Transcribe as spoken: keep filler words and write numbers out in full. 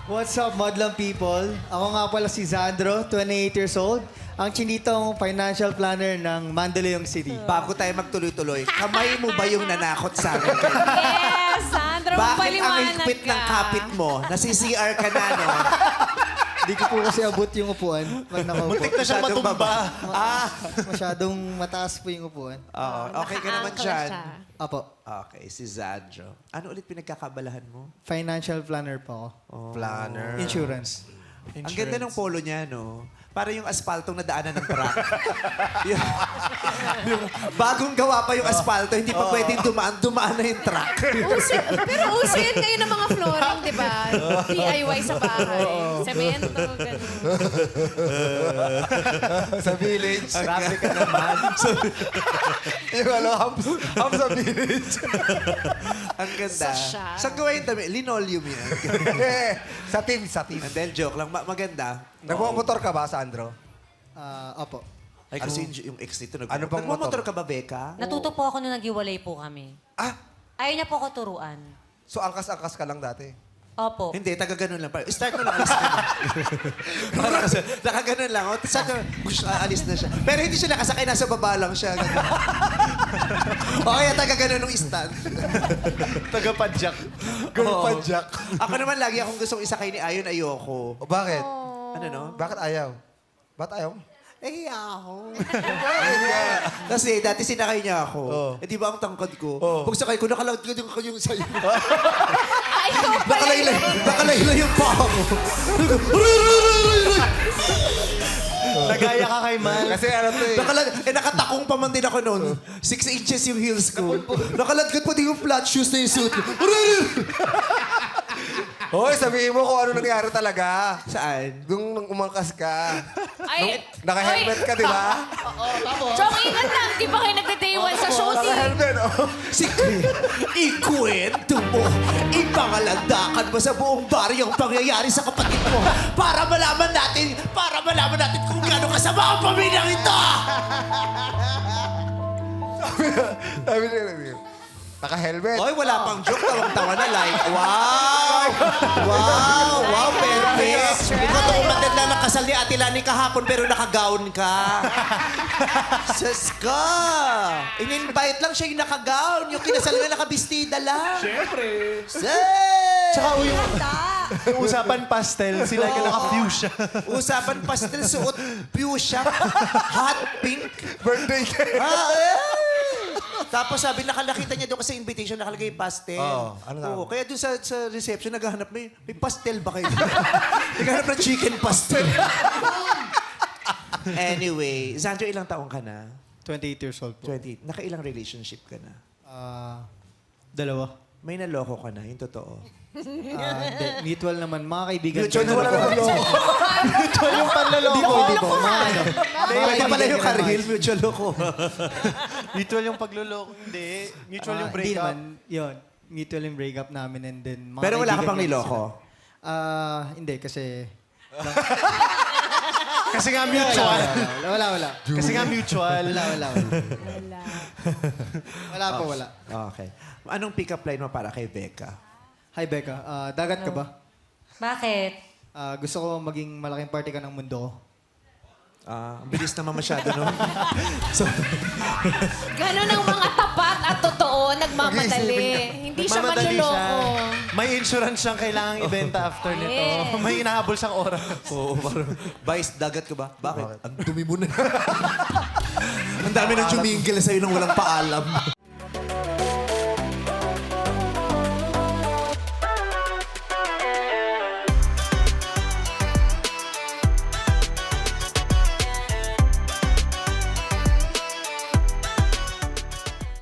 What's up, Madlang people? Ako nga pala si Zandro, twenty-eight years old. Ang chinitong financial planner ng Mandaluyong City. Bago tayo magtuloy-tuloy, kamay mo ba yung nanakot sa akin? Yes, Sandro, Bakit ang paliwanag higpit ka. ng kapit mo? Nasi-C R ka na, no? Di ko po kasi abot yung upuan pag nakaupo. Muntik na siya Masyadong matumba. Ah! Masyadong mataas po yung upuan. Oo, okay ka naman Naka-ankle dyan. siya. Apo, Okay, si Zandro. Ano ulit pinagkakabalahan mo? financial planner po ako. Planner. Insurance. Ang ganda ng polo niya, no? Para yung aspaltong nadaanan ng truck. yung, yung bagong gawa pa yung aspalto, hindi pa pwedeng dumaan, dumaan na yung truck. Uso, pero uso yun ngayon ng mga flooring, di ba? D I Y sa bahay. Semento, gano'n. Sa village. Grabe ka naman. yung ano, hams, hams sa village. Ang ganda. Sosyal. Saan gawa yung dami? Linoleum yan. sa team, sa team. And then, joke lang. Ma- maganda. Nagmumotor ka ba, Sandro? Ah, apo. Ay, kasi yung, yung ex nito, nag- Ano pang nagmamotor motor? ka ba, Becca? Natuto po ako nung naghiwalay po kami. Ah, Ayaw niya po ako turuan. so angkas-angkas ka lang dati? Opo. Hindi, taga ganun lang. Pa- Start mo lang, alis ka na. Parang kasi, naka ganun lang. O, saka, gusto, alis na siya. Pero hindi siya nakasakay, nasa baba lang siya. Ganun. o kaya taga ganun nung stand. Taga-padjak. Girl Oo. padjak. Ako naman lagi akong gustong isakay ni Ayon, ayoko. O bakit? Ano no? Bakit ayaw? Ba't ayaw? Eh, ako. Kasi dati sinakay niya ako. Oo. Eh, di ba ang tangkad ko? Oo. Pag sakay ko, nakalagad yung, yung sa'yo. Ay, ko pala Nakalaylay, yun. nakalaylay yung paa ko. Nagaya ka kay Mal. Kasi ano to eh. Nakalag eh, nakatakong pa man din ako noon. Six inches yung heels ko. Nakalagad pa din yung flat shoes na yung suit ko. Hoy, sabihin mo kung ano nangyari talaga. Saan? Nung, nung umangkas ka. Ay, Naka-helmet ka, di ba? Chong, ingat lang. Di ba kayo nagda-day one sa shooting? Naka-helmet, oh. Sige, ikwento mo. Ipangalandakan mo sa buong baryong pangyayari sa kapatid mo para malaman natin, para malaman natin kung gaano kasama ang pamilyang ito. Sabi niya, naka-helmet. Oy, wala pang joke. Tawang-tawa na like, wow! Wow! Wow, perfect! Ikaw to umatid lang ng kasal ni Ate Lani kahapon pero nakagown ka. Sus ka! In-invite lang siya yung nakagown. Yung kinasal nga nakabistida lang. Siyempre. Say! Tsaka yung, yung usapan pastel, sila ka naka-fuchsia. Usapan pastel, suot fuchsia, hot pink. Birthday ka. Ah, eh. Tapos sabi, nakalakita niya doon kasi invitation, nakalagay pastel. Oo, ano nga? Oo, kaya doon sa, sa reception, naghahanap, may, may pastel ba kayo? Naghahanap ng chicken pastel. Anyway, Zandro, ilang taong ka na? twenty-eight years old po. twenty. Nakailang relationship ka na? Ah, dalawa. May naloko ka na, yung totoo. Ah, hindi. Mutual naman. Mga kaibigan Mutual ko. na wala naman yun. Ito yung panloloko. Hindi po, hindi po. Mga ano. Pwede pala yung karhil, mutual loko. Mutual yung pagloloko. Hindi. Mutual Ah, yung Hindi breakup. naman. Yun. Mutual yung breakup namin and then mga Pero wala ka kaibigan pang ko niloko? sila. Ah, hindi kasi... Kasi nga mutual. Wala, wala, wala. Kasi nga mutual. Wala, wala, wala. Wala. Wala po, wala. Okay. Anong pick-up line mo para kay Becca? Hi, Becca. Ah, dagat ka ba? Bakit? Ah, gusto ko maging malaking party ka ng mundo ko. Ah, ang bilis naman masyado, no? so, Ganon ang mga tapat at totoo, nagmamadali. Hindi siya Mamadali manloloko. May insurance siyang kailangang ibenta after nito. Yes. May inahabol siyang oras. Oo, parang, Vice, dagat ka ba? Bakit? Ang dumi mo na. Ang dami nang jumingil sa'yo nang walang paalam.